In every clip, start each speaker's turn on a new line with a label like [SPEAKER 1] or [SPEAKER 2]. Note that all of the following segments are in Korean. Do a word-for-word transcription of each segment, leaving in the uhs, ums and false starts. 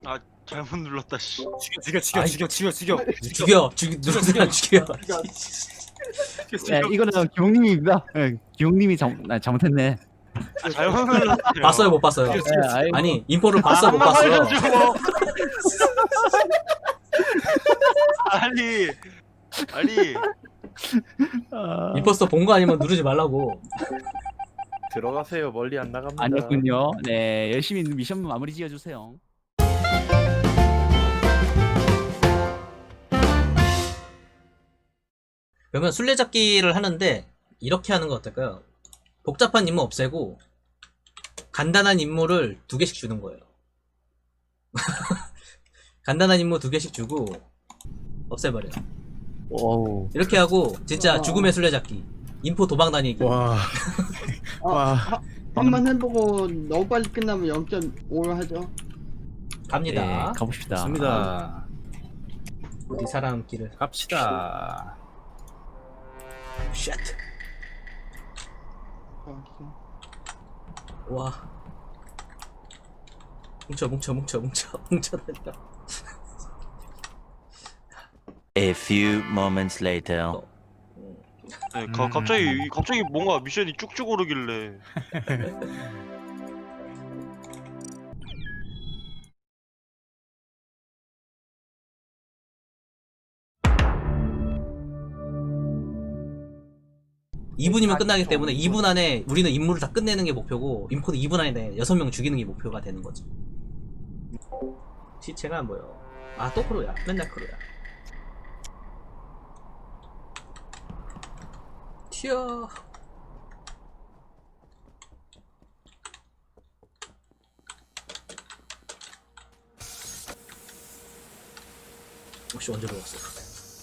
[SPEAKER 1] 아 잘못 눌렀다 씨.
[SPEAKER 2] 죽여 죽여
[SPEAKER 3] 아이,
[SPEAKER 2] 죽여 죽여 죽여
[SPEAKER 3] 죽여 죽여 누르세요 죽여.
[SPEAKER 2] 죽여
[SPEAKER 4] 네, 이거는 기용님입니다. 네, 기용님이 잘, 아, 잘못했네.
[SPEAKER 1] 아, 잘못 눌렀어요.
[SPEAKER 3] 봤어요 못 봤어요?
[SPEAKER 4] 네, 아이고.
[SPEAKER 3] 아니 인포를 봤어 못
[SPEAKER 1] 아,
[SPEAKER 3] 봤어?
[SPEAKER 1] 살려줘. 아니 아니
[SPEAKER 4] 아,
[SPEAKER 3] 임포스터 본 거 아니면 누르지 말라고.
[SPEAKER 2] 들어가세요. 멀리 안 나갑니다.
[SPEAKER 4] 아니었군요. 네, 열심히 미션 마무리 지어주세요.
[SPEAKER 3] 그러면 술래잡기를 하는데 이렇게 하는 거 어떨까요? 복잡한 임무 없애고 간단한 임무를 두 개씩 주는 거예요. 간단한 임무 두 개씩 주고 없애버려.
[SPEAKER 4] 오우.
[SPEAKER 3] 이렇게 하고 진짜 죽음의 술래잡기, 인포 도망 다니기.
[SPEAKER 2] 와. 와.
[SPEAKER 5] 아, 한번 해보고 너무 빨리 끝나면 영 점 오로 하죠.
[SPEAKER 3] 갑니다.
[SPEAKER 4] 네, 가봅시다.
[SPEAKER 2] 좋습니다.
[SPEAKER 3] 우리 사람 길을.
[SPEAKER 2] 갑시다.
[SPEAKER 3] 쉣. 와. 뭉쳐 뭉쳐 뭉쳐 뭉쳐 뭉쳐 다녀.
[SPEAKER 6] A few moments later.
[SPEAKER 1] 네, 가, 갑자기 갑자기 뭔가 미션이 쭉쭉 오르길래
[SPEAKER 3] 이 분이면 끝나기 때문에 이 분 안에 우리는 임무를 다 끝내는 게 목표고 인포도 이 분 안에 여섯 명 죽이는 게 목표가 되는 거죠. 시체가 안 보여. 아 또 크루야. 맨날 크루야. 튀어. 혹시 언제 들어왔어?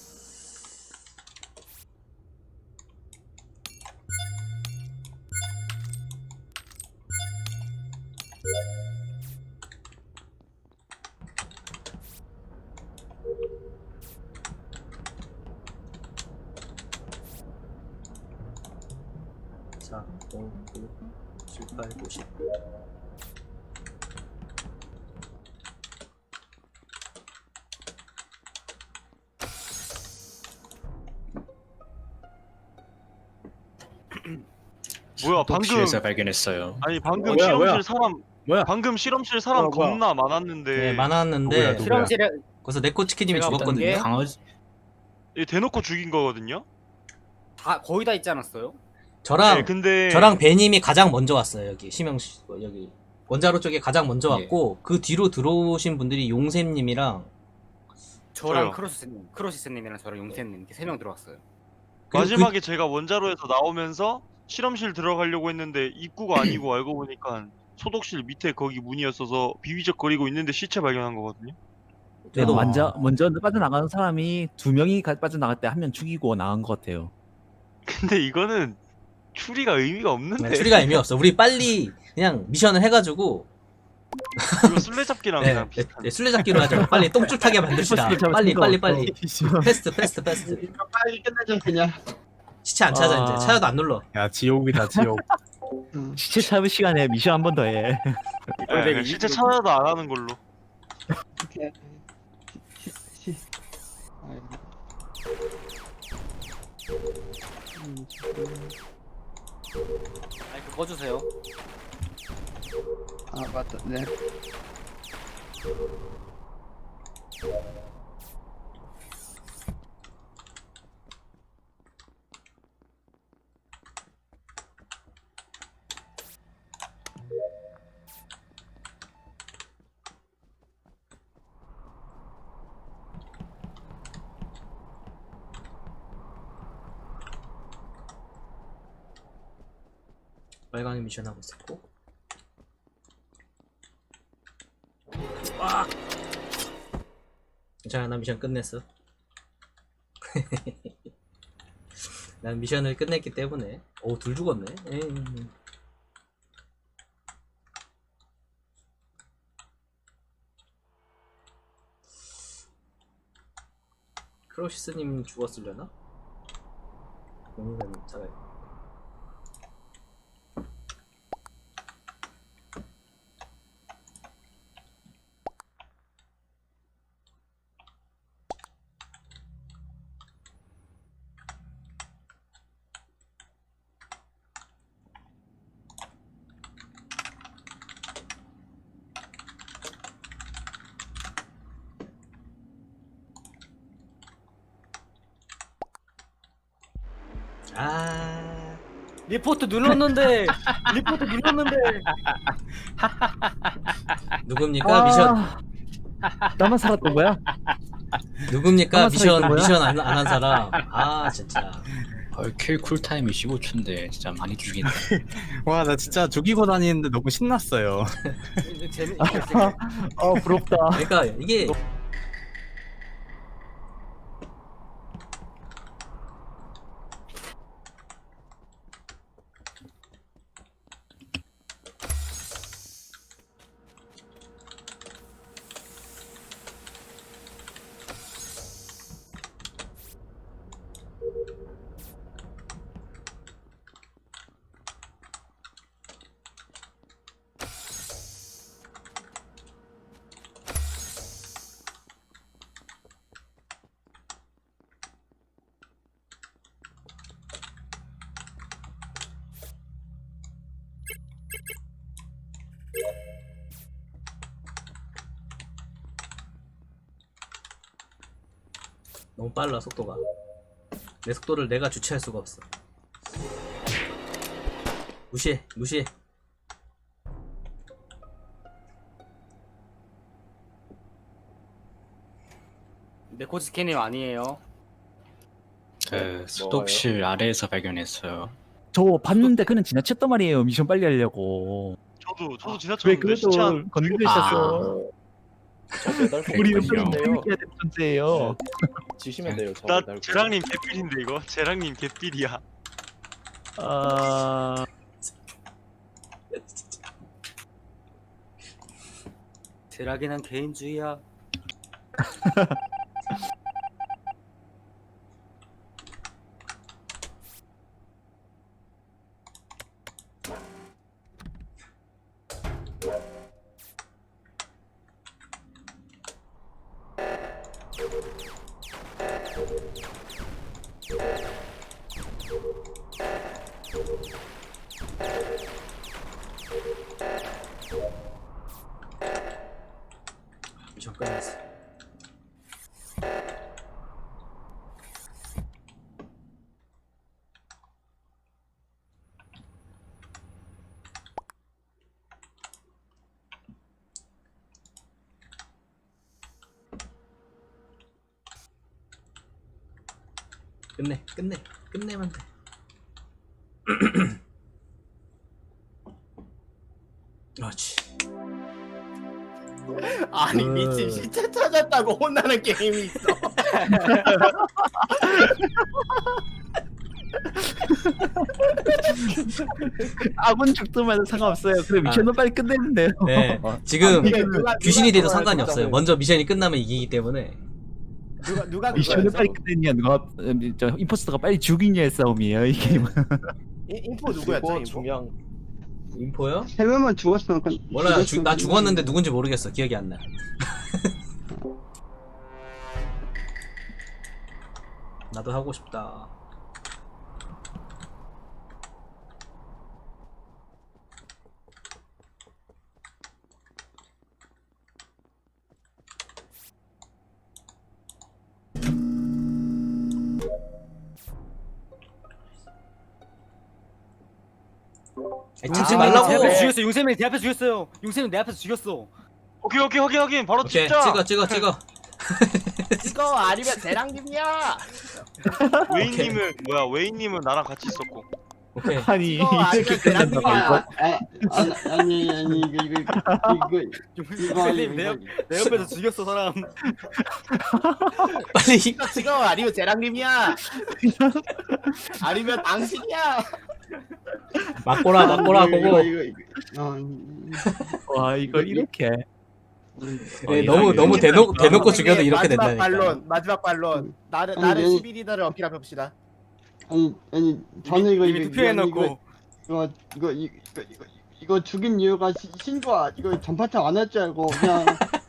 [SPEAKER 3] 사, 오, 구, 칠, 팔, 구, 십.
[SPEAKER 1] 뭐야 방금
[SPEAKER 2] 독실에서 발견했어요.
[SPEAKER 1] 아니 방금
[SPEAKER 2] 어, 뭐야,
[SPEAKER 1] 실험실
[SPEAKER 2] 뭐야?
[SPEAKER 1] 사람
[SPEAKER 2] 뭐야?
[SPEAKER 1] 방금 실험실 사람
[SPEAKER 2] 뭐야, 뭐야?
[SPEAKER 1] 겁나 많았는데
[SPEAKER 3] 네,
[SPEAKER 2] 누구야,
[SPEAKER 3] 많았는데
[SPEAKER 2] 누구야?
[SPEAKER 7] 실험실에
[SPEAKER 3] 그래서 네코치키님이
[SPEAKER 7] 제가 본
[SPEAKER 3] 죽었거든요.
[SPEAKER 7] 게-
[SPEAKER 2] 강아지.
[SPEAKER 1] 얘 대놓고 죽인 거거든요.
[SPEAKER 7] 다 거의 다 있지 않았어요?
[SPEAKER 3] 저랑
[SPEAKER 1] 네, 근데
[SPEAKER 3] 저랑 배님이 가장 먼저 왔어요. 여기 심영 씨 여기 원자로 쪽에 가장 먼저
[SPEAKER 7] 예.
[SPEAKER 3] 왔고 그 뒤로 들어오신 분들이 용샘님이랑
[SPEAKER 7] 저랑
[SPEAKER 1] 저요.
[SPEAKER 7] 크로시스님, 크로시스님이랑 저랑 용태님 이렇게 세 명 들어왔어요.
[SPEAKER 3] 그리고
[SPEAKER 1] 마지막에 제가 원자로에서 나오면서 실험실 들어가려고 했는데 입구가 아니고 알고 보니까 소독실 밑에 거기 문이었어서 비비적거리고 있는데 시체 발견한 거거든요.
[SPEAKER 3] 그,
[SPEAKER 4] 그래도
[SPEAKER 3] 어,
[SPEAKER 4] 먼저 먼저 빠져나가는 사람이 두 명이 가- 빠져나갈 때 한 명 죽이고 나간 것 같아요.
[SPEAKER 1] 근데 이거는 추리가 의미가 없는데.
[SPEAKER 3] 네, 추리가 의미 없어. 우리 빨리 그냥 미션을 해가지고
[SPEAKER 1] 이거 술래잡기랑
[SPEAKER 3] 네,
[SPEAKER 1] 그냥
[SPEAKER 3] 네,
[SPEAKER 1] 비슷한.
[SPEAKER 3] 네, 술래잡기로 하죠. 빨리 똥줄타게 만듭시다. 빨리 빨리 빨리. 패스트 패스트 패스트.
[SPEAKER 5] 이거 빨리 끝내죠 그냥.
[SPEAKER 3] 시체 안 찾아
[SPEAKER 4] 아.
[SPEAKER 3] 이제. 찾아도 안 눌러.
[SPEAKER 2] 야 지옥이다 지옥.
[SPEAKER 5] 응.
[SPEAKER 4] 시체 찾을 시간에 미션 한 번 더 해.
[SPEAKER 1] 네, 실제 찾아도 안 하는 걸로.
[SPEAKER 5] 오케이. 시, 시. 아이고. 음,
[SPEAKER 7] 아니 그거 주세요.
[SPEAKER 5] 아 맞다. 네.
[SPEAKER 3] 빨강이 미션 하고 있었고. 와. 괜찮아 나 미션 끝냈어. 난 미션을 끝냈기 때문에. 오 둘 죽었네. 에이. 크로시스님 죽었으려나? 용산 잡아야 아
[SPEAKER 7] 리포트 눌렀는데 리포트 눌렀는데
[SPEAKER 3] 누굽니까 미션
[SPEAKER 4] 아, 나만 살았던 거야?
[SPEAKER 3] 누굽니까
[SPEAKER 4] 나만
[SPEAKER 3] 미션
[SPEAKER 4] 살아있던 거야?
[SPEAKER 3] 미션 안 안 한 사람 아 진짜
[SPEAKER 2] 벌킬 쿨타임이 십오 초인데 진짜 많이 죽인다.
[SPEAKER 8] 와, 나 진짜 죽이고 다니는데 너무 신났어요.
[SPEAKER 7] 재밌
[SPEAKER 4] 어 부럽다.
[SPEAKER 3] 그러니까 이게 너무 빨라 속도가 내 속도를 내가 주체할 수가 없어 무시해 무시해
[SPEAKER 7] 네코지스케님 아니에요.
[SPEAKER 2] 그 소독실 아래에서 발견했어요.
[SPEAKER 4] 저 봤는데 그는 지나쳤단 말이에요. 미션 빨리 하려고.
[SPEAKER 1] 저도 저도
[SPEAKER 4] 왜
[SPEAKER 1] 지나쳤는데 시체
[SPEAKER 4] 그래도
[SPEAKER 1] 한
[SPEAKER 4] 건드리셨어?
[SPEAKER 9] 저 매달
[SPEAKER 4] 우리는
[SPEAKER 2] 그랬군요.
[SPEAKER 4] 빨리 해야 되는 존재예요.
[SPEAKER 9] 지시면 돼요. 저
[SPEAKER 1] 나
[SPEAKER 9] 매달
[SPEAKER 1] 재랑님 개삘인데 이거 재랑님 개삘이야.
[SPEAKER 4] 아
[SPEAKER 7] 제락이는 개인주의야.
[SPEAKER 3] 미션 끝났어 끝내 끝내 끝내면 돼 그렇지
[SPEAKER 9] 아니
[SPEAKER 3] 그-
[SPEAKER 9] 미친 시체 찾았다고 혼나는 게임이 있어.
[SPEAKER 4] 아군 죽더만 상관없어요. 그래 미션은 빨리 끝내는데요.
[SPEAKER 3] 네 지금
[SPEAKER 9] 이게 누가-
[SPEAKER 3] 귀신이
[SPEAKER 9] 누가
[SPEAKER 3] 돼도 상관이
[SPEAKER 9] 그거야,
[SPEAKER 3] 없어요
[SPEAKER 9] 진짜로.
[SPEAKER 3] 먼저 미션이 끝나면 이기기 때문에
[SPEAKER 9] 누가 누가
[SPEAKER 4] 미션을
[SPEAKER 9] 그거야,
[SPEAKER 4] 빨리
[SPEAKER 9] 저거.
[SPEAKER 4] 끝내냐 누가 음, 저 임포스터가 빨리 죽이냐의 싸움이에요 이 게임은.
[SPEAKER 9] 인- 인포 누구였죠? 인포?
[SPEAKER 8] 중요한
[SPEAKER 3] 인포요?
[SPEAKER 5] 세 명만 죽었으면 그
[SPEAKER 3] 몰라요 주- 나 죽었는데 누군지 모르겠어 기억이 안나 나도 하고 싶다 아니, 찍지
[SPEAKER 7] 아, 내 앞에서
[SPEAKER 3] 말라고
[SPEAKER 7] 죽였어. 용세민이 내 앞에서 죽였어요. 용세민 내 앞에서 죽였어.
[SPEAKER 1] 오케이 오케이 확인 확인 바로
[SPEAKER 3] 오케이
[SPEAKER 1] 찍자.
[SPEAKER 3] 찍어 찍어 찍어
[SPEAKER 9] 이거 아니면 대랑님이야.
[SPEAKER 1] 웨이님은 뭐야 웨이님은 나랑 같이 있었고.
[SPEAKER 3] 오케이
[SPEAKER 4] 아니
[SPEAKER 9] 이거 아니면
[SPEAKER 4] 이렇게 끝낸다고
[SPEAKER 9] 대란님이야.
[SPEAKER 4] 이거?
[SPEAKER 5] 아, 아, 아니 아니 이거 이거 이거 이거
[SPEAKER 7] 용세민 내,
[SPEAKER 5] 이거
[SPEAKER 7] 옆, 내 옆에서 죽였어 사람.
[SPEAKER 3] 빨리
[SPEAKER 9] 이거 지금 아니면 대랑님이야. 아니면 당신이야.
[SPEAKER 3] 막고라 막고라
[SPEAKER 5] 이거,
[SPEAKER 3] 보고
[SPEAKER 5] 이거 이거 어,
[SPEAKER 4] 와 이거 이렇게
[SPEAKER 3] 네, 너무 너무 대놓 대놓고 죽여도 이렇게
[SPEAKER 9] 마지막
[SPEAKER 3] 된다니까
[SPEAKER 9] 반론, 마지막 반론. 나를
[SPEAKER 5] 아니,
[SPEAKER 9] 나를
[SPEAKER 5] 아니.
[SPEAKER 9] 십일 리더를 어필해 봅시다.
[SPEAKER 5] 아니 아니 저는 이거
[SPEAKER 7] 이미
[SPEAKER 5] 이거
[SPEAKER 7] 투표해놓고.
[SPEAKER 5] 이거 이거 이거 이거 이거 이거 죽인 이유가 시, 신고 이거 전파창 안 할 줄 알고 그냥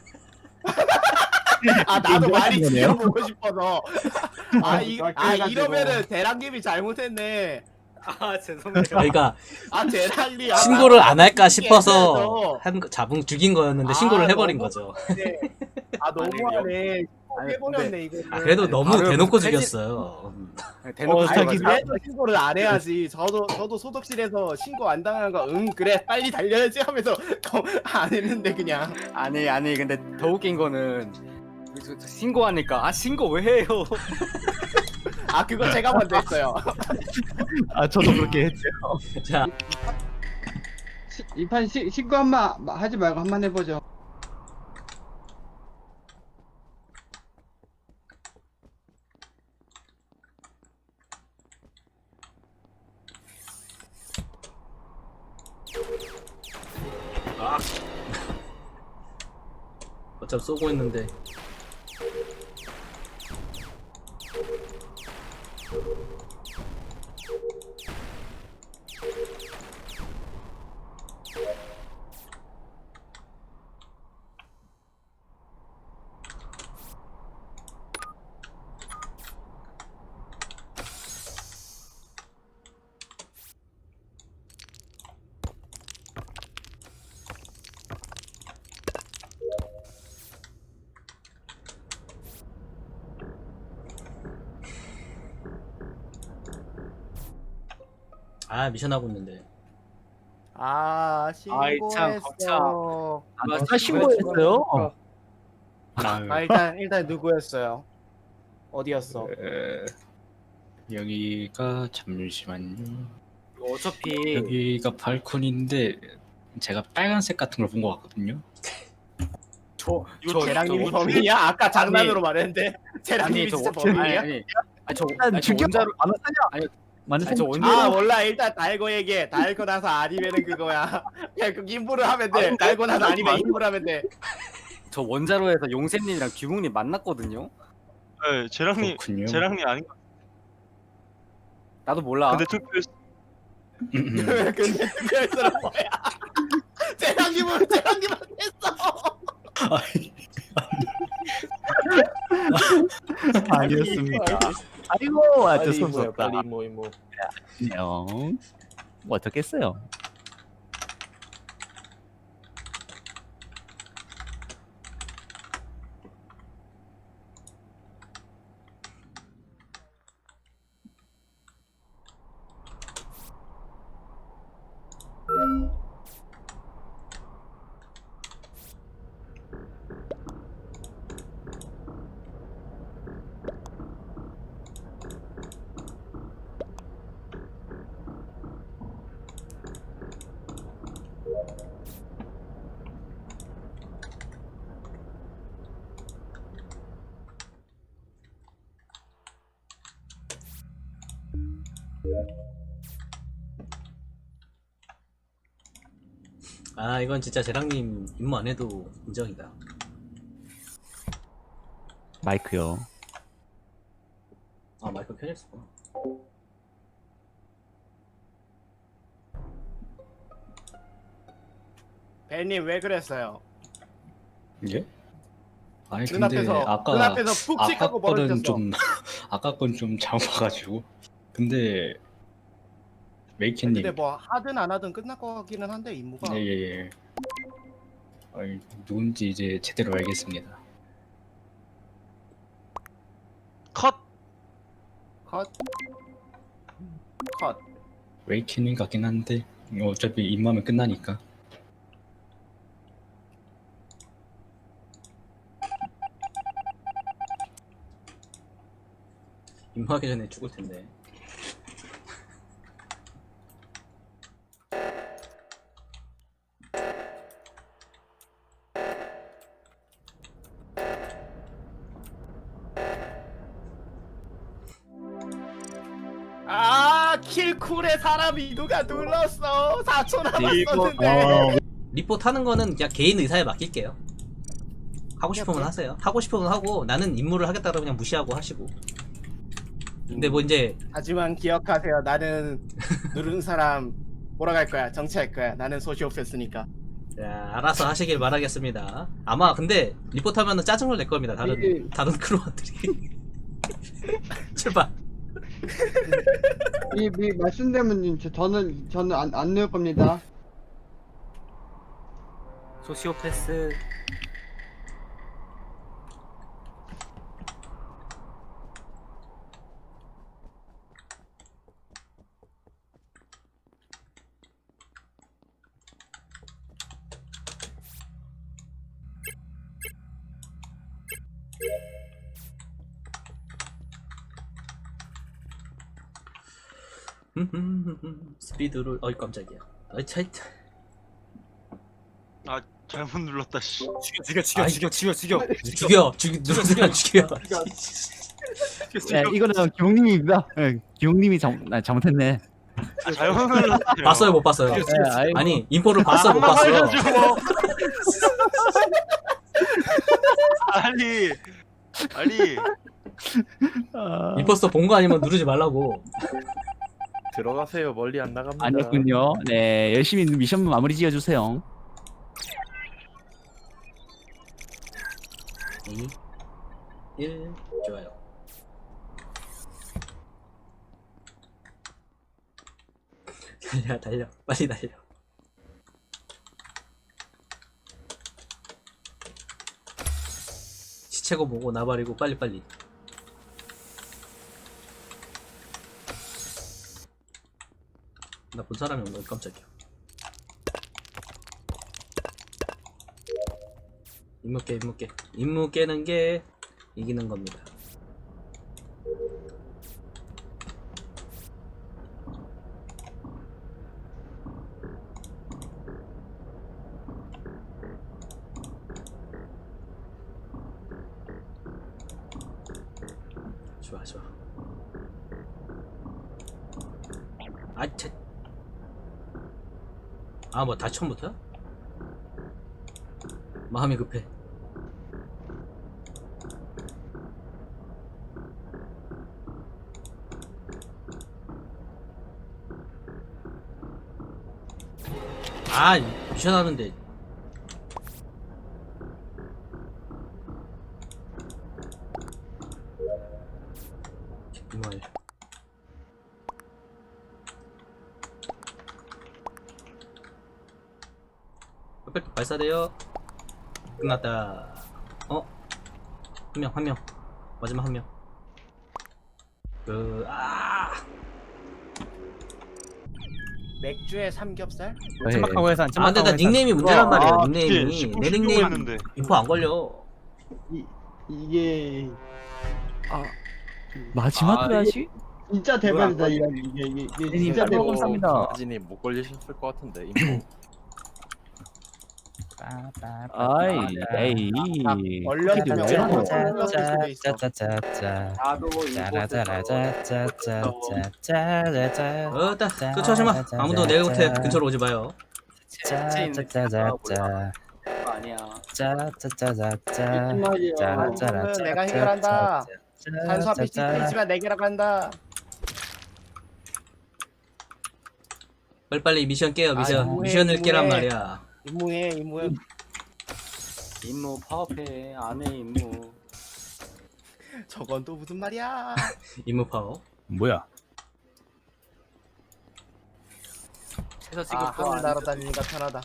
[SPEAKER 9] 아 나도 많이
[SPEAKER 4] 인정하신 거네요?
[SPEAKER 9] 지켜보고 싶어서. 아, 이,
[SPEAKER 5] 아,
[SPEAKER 9] 아
[SPEAKER 5] 그래가지고.
[SPEAKER 9] 이러면은 대랑님이 잘못했네.
[SPEAKER 7] 아 죄송해요.
[SPEAKER 3] 그러니까
[SPEAKER 9] 아 대랑님.
[SPEAKER 3] 신고를 안 할까 싶어서
[SPEAKER 9] 해야죠.
[SPEAKER 3] 한 거- 잡은 죽인 거였는데 신고를
[SPEAKER 9] 아,
[SPEAKER 3] 해버린
[SPEAKER 9] 너무-
[SPEAKER 3] 거죠
[SPEAKER 9] 아 너무하네.
[SPEAKER 7] 아니,
[SPEAKER 9] 해버렸네 이거.
[SPEAKER 3] 아, 그래도 너무
[SPEAKER 7] 바로
[SPEAKER 3] 대놓고
[SPEAKER 7] 폐지-
[SPEAKER 3] 죽였어요.
[SPEAKER 7] 대놓고
[SPEAKER 4] 어, 자기
[SPEAKER 7] 죽여가지고.
[SPEAKER 9] 그래도 신고를 안 해야지. 저도 저도 소독실에서 신고 안 당하는 거 응 그래 빨리 달려야지 하면서 안 했는데 그냥.
[SPEAKER 7] 아니 아니 근데 더 웃긴 거는 저- 저 신고하니까 아 신고 왜 해요?
[SPEAKER 9] 아 그거 제가 먼저 했어요.
[SPEAKER 4] 아 저도 그렇게 했죠.
[SPEAKER 3] 자,
[SPEAKER 5] 이 판 신고 한번 하지 말고 한번 해보죠.
[SPEAKER 3] 어차피 쏘고 있는데. 아, 미션 하고 있는데.
[SPEAKER 9] 아
[SPEAKER 7] 아이, 참,
[SPEAKER 9] 신고했어.
[SPEAKER 4] 아 신고했어요?
[SPEAKER 9] 아 일단 일단 누구였어요? 어디였어?
[SPEAKER 2] 에, 여기가 잠시만요.
[SPEAKER 7] 어차피
[SPEAKER 2] 여기가 발코니인데 제가 빨간색 같은 걸 본 것 같거든요.
[SPEAKER 7] 저
[SPEAKER 1] 이거
[SPEAKER 7] 저-
[SPEAKER 9] 재랑님이
[SPEAKER 7] 저-
[SPEAKER 9] 범인이야? 아까 장난으로 말했는데
[SPEAKER 7] 아니
[SPEAKER 9] 재랑님이
[SPEAKER 7] 저
[SPEAKER 9] 진짜
[SPEAKER 7] 원- 아니
[SPEAKER 9] 범인이야?
[SPEAKER 7] 아니 아니 저
[SPEAKER 4] 일단
[SPEAKER 7] 아니, 저
[SPEAKER 4] 죽여.
[SPEAKER 7] 원자로
[SPEAKER 4] 만화사냐?
[SPEAKER 7] 아니,
[SPEAKER 4] 만화사냐?
[SPEAKER 7] 아니, 저 원자로
[SPEAKER 9] 아 몰라 일단 달고 얘기해. 달고 나서 아니면은 그거야. 그냥 그 인부를 하면 돼. 달고 나서 아니면 인부를 하면 돼.
[SPEAKER 7] 저 원자로에서 용샘님이랑 규묵님 만났거든요.
[SPEAKER 1] 네, 재랑님
[SPEAKER 2] 그렇군요.
[SPEAKER 1] 재랑님 아닌 것
[SPEAKER 7] 나도 몰라.
[SPEAKER 1] 같은데 투표했어.
[SPEAKER 2] 음, 음.
[SPEAKER 9] 근데 투표했어는 뭐야? 재랑님은 재랑님은 했어.
[SPEAKER 4] 아니었습니다. 아이고 아주
[SPEAKER 9] 빨리
[SPEAKER 4] 손
[SPEAKER 9] 모여,
[SPEAKER 4] 썼다.
[SPEAKER 9] 빨리 모이 모.
[SPEAKER 4] 안녕. 뭐 어떻겠어요?
[SPEAKER 3] 아, 이건 진짜 재랑님 임무 안 해도 인정이다.
[SPEAKER 4] 마이크요.
[SPEAKER 3] 아, 마이크 켜졌어.
[SPEAKER 9] 벨님 왜 그랬어요?
[SPEAKER 2] 예? 아니 근데
[SPEAKER 9] 눈앞에서
[SPEAKER 2] 아까
[SPEAKER 9] 눈앞에서 푹
[SPEAKER 2] 아까
[SPEAKER 9] 찍하고
[SPEAKER 2] 거는
[SPEAKER 9] 벌어졌어.
[SPEAKER 2] 좀 아까 건 좀 잘못 봐가지고. 근데 메이키님
[SPEAKER 9] 근데 뭐 하든 안 하든 끝날 것 같기는 한데 임무가.
[SPEAKER 2] 예예예. 아니, 누군지 이제 제대로 알겠습니다.
[SPEAKER 1] 컷.
[SPEAKER 9] 컷. 컷.
[SPEAKER 2] 웨이키님 같긴 한데 어차피 입마면 끝나니까.
[SPEAKER 3] 임무하기 전에 죽을 텐데.
[SPEAKER 9] 아 킬쿨에 사람이 누가 눌렀어. 사 초 남았었는데.
[SPEAKER 4] 어,
[SPEAKER 3] 리포트 하는 거는 그냥 개인 의사에 맡길게요. 하고 싶으면 하세요. 하고 싶으면 하고 나는 임무를 하겠다 그러면 그냥 무시하고 하시고. 근데 뭐 이제
[SPEAKER 9] 하지만 기억하세요. 나는 누른 사람 몰아갈 거야. 정치할 거야. 나는 소시오패스니까.
[SPEAKER 3] 자, 알아서 하시길 바라겠습니다. 아마 근데 리포트 하면은 짜증을 낼 겁니다. 다른
[SPEAKER 5] 이-
[SPEAKER 3] 다른 크루원들이. 출발.
[SPEAKER 5] 이, 이 말씀대로는 저- 저는 저는 안 안 넣을 겁니다.
[SPEAKER 7] 소시오패스
[SPEAKER 3] 스피드를 어이 깜짝이야. 어이 차이.
[SPEAKER 1] 아 잘못 눌렀다 씨.
[SPEAKER 7] 죽여 죽여
[SPEAKER 3] 아이.
[SPEAKER 7] 죽여 죽여 죽여
[SPEAKER 3] 죽여 죽여 누른 사람 죽여.
[SPEAKER 4] 네, 이거는 기용님입니다. 네, 기용님이 잘, 아, 잘못했네.
[SPEAKER 1] 아, 잘못 눌렀어요.
[SPEAKER 3] 봤어요 못 봤어요?
[SPEAKER 4] 네, 아이고.
[SPEAKER 3] 아니 인포를 봤어 못
[SPEAKER 1] 아,
[SPEAKER 3] 봤어?
[SPEAKER 1] 알려줘. 아니 아니
[SPEAKER 4] 아,
[SPEAKER 3] 임포스터 본 거 아니면 누르지 말라고.
[SPEAKER 8] 들어가세요. 멀리 안 나갑니다.
[SPEAKER 4] 아니었군요. 네, 열심히 미션 마무리 지어주세요.
[SPEAKER 3] 이, 일 좋아요. 달려 달려 빨리 달려. 시체고 뭐고 나발이고 빨리 빨리. 나 본 사람이 없는 깜짝이야. 임무 깨 임무 깨 임무 깨는 게 이기는 겁니다. 좋아 좋아. 아차. 아 뭐 다 처음부터야? 마음이 급해. 아 미션 하는데. 정말 빽빽 발사돼요. 끝났다. 어? 한 명, 한 명. 마지막 한 명. 그, 아!
[SPEAKER 9] 맥주에 삼겹살?
[SPEAKER 4] 네.
[SPEAKER 8] 침박하고 해산.
[SPEAKER 3] 아, 근데 나 닉네임이 문제란 말이야,
[SPEAKER 1] 아,
[SPEAKER 3] 닉네임이.
[SPEAKER 1] 십구,
[SPEAKER 3] 내
[SPEAKER 1] 십육
[SPEAKER 3] 닉네임
[SPEAKER 1] 했는데.
[SPEAKER 3] 인포 안 걸려.
[SPEAKER 5] 이 이게
[SPEAKER 4] 아, 마지막
[SPEAKER 8] 아,
[SPEAKER 4] 까지
[SPEAKER 5] 진짜 대박이다 이게 이게 이게, 이게
[SPEAKER 4] 님,
[SPEAKER 5] 진짜
[SPEAKER 4] 빨리
[SPEAKER 5] 대박.
[SPEAKER 4] 감사합니다.
[SPEAKER 8] 김아진이 못 걸리셨을 것 같은데. 인포.
[SPEAKER 4] 아이, 에이.
[SPEAKER 9] 얼렸으면
[SPEAKER 4] 왜 이러노?
[SPEAKER 9] 얼렸을 수도 있어.
[SPEAKER 7] 짜짜짜짜
[SPEAKER 9] 나도 이거
[SPEAKER 7] 짜라짜라짜짜짜짜짜짜
[SPEAKER 3] 어따, 쫓아오지 마. 아무도 내 곁에 근처로 오지 마요.
[SPEAKER 7] 짜짜짜짜 아니야 짜짜짜짜짜
[SPEAKER 5] 정말이야.
[SPEAKER 7] 짜라짜라짜
[SPEAKER 9] 내가 해결한다. 탄수화물 시키지만 내게라고 한다.
[SPEAKER 3] 빨리빨리 미션 깨요, 미션.
[SPEAKER 9] 아, 뭐해,
[SPEAKER 3] 미션을 깨란
[SPEAKER 9] 뭐해.
[SPEAKER 3] 말이야.
[SPEAKER 9] 임무해 임무해.
[SPEAKER 7] 임무 파업해 안해 임무
[SPEAKER 9] 저건 또 무슨 말이야?
[SPEAKER 3] 임무 파워.
[SPEAKER 8] 뭐야?
[SPEAKER 7] 해서
[SPEAKER 9] 아,
[SPEAKER 7] 지금
[SPEAKER 9] 하늘 날아다니니까 편하다.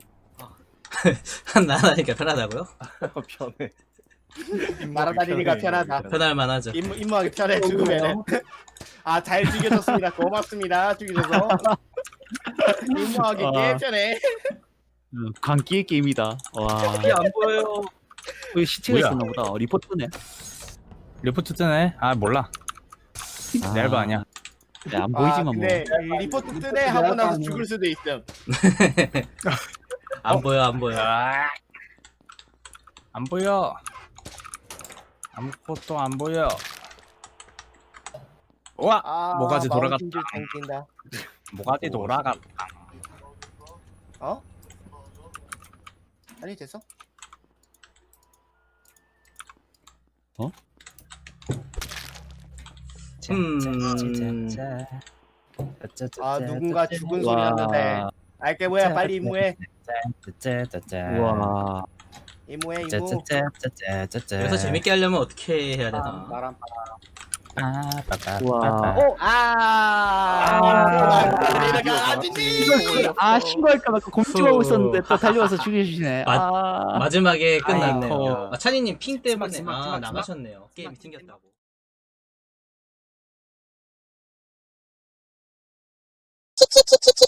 [SPEAKER 3] 나라니까 편하다고요?
[SPEAKER 8] 편해.
[SPEAKER 9] 날아다니니까 편하다.
[SPEAKER 3] 편할만 하죠.
[SPEAKER 9] 임무 임무하기 편해 죽으면. 아, 잘 죽여줬습니다. 고맙습니다. 죽여줘서. 임무하기
[SPEAKER 4] 아.
[SPEAKER 9] 꽤 편해.
[SPEAKER 4] 음, 광기의 게임이다. 와,
[SPEAKER 7] 이게 안 보여요
[SPEAKER 4] 그 시체가
[SPEAKER 8] 뭐야?
[SPEAKER 4] 있었나 보다. 리포트네.
[SPEAKER 8] 리포트 뜨네? 아 몰라.
[SPEAKER 4] 아.
[SPEAKER 8] 내 알바 아니야.
[SPEAKER 4] 네, 안
[SPEAKER 9] 아,
[SPEAKER 4] 보이지만 뭐.
[SPEAKER 9] 근데 리포트 뜨네 하고 나서 죽을 수도 있음.
[SPEAKER 3] 안 보여, 안 보여.
[SPEAKER 8] 아, 안 보여. 아무것도 안 보여. 와,
[SPEAKER 9] 아,
[SPEAKER 8] 모가지 돌아갔다.
[SPEAKER 9] 마우스인줄 당긴다.
[SPEAKER 8] 모가지 돌아가.
[SPEAKER 9] 어? 아니 됐어?
[SPEAKER 3] 음.
[SPEAKER 9] 아, 누군가 죽은 소리
[SPEAKER 4] 와.
[SPEAKER 9] 났는데. 알게 뭐야, 빨리 임무해.
[SPEAKER 4] 와,
[SPEAKER 9] 임무해 임무.
[SPEAKER 3] 그래서 재밌게 하려면 어떻게 해야 되나?
[SPEAKER 7] 나랑
[SPEAKER 4] 와.
[SPEAKER 9] 오, 아, 이렇게 아니지.
[SPEAKER 4] 아, 신고할까 봐 고민 좀 하고 있었는데 또 달려와서 죽여주시네.
[SPEAKER 3] 마-
[SPEAKER 4] 아.
[SPEAKER 3] 마지막에 끝났네요.
[SPEAKER 4] 아이고.
[SPEAKER 3] 아, 찬이님 핑 때문에
[SPEAKER 7] 스마, 스마,
[SPEAKER 3] 아,
[SPEAKER 7] 스마,
[SPEAKER 3] 나가셨네요. 게임이 튕겼다고.
[SPEAKER 10] 키키키키키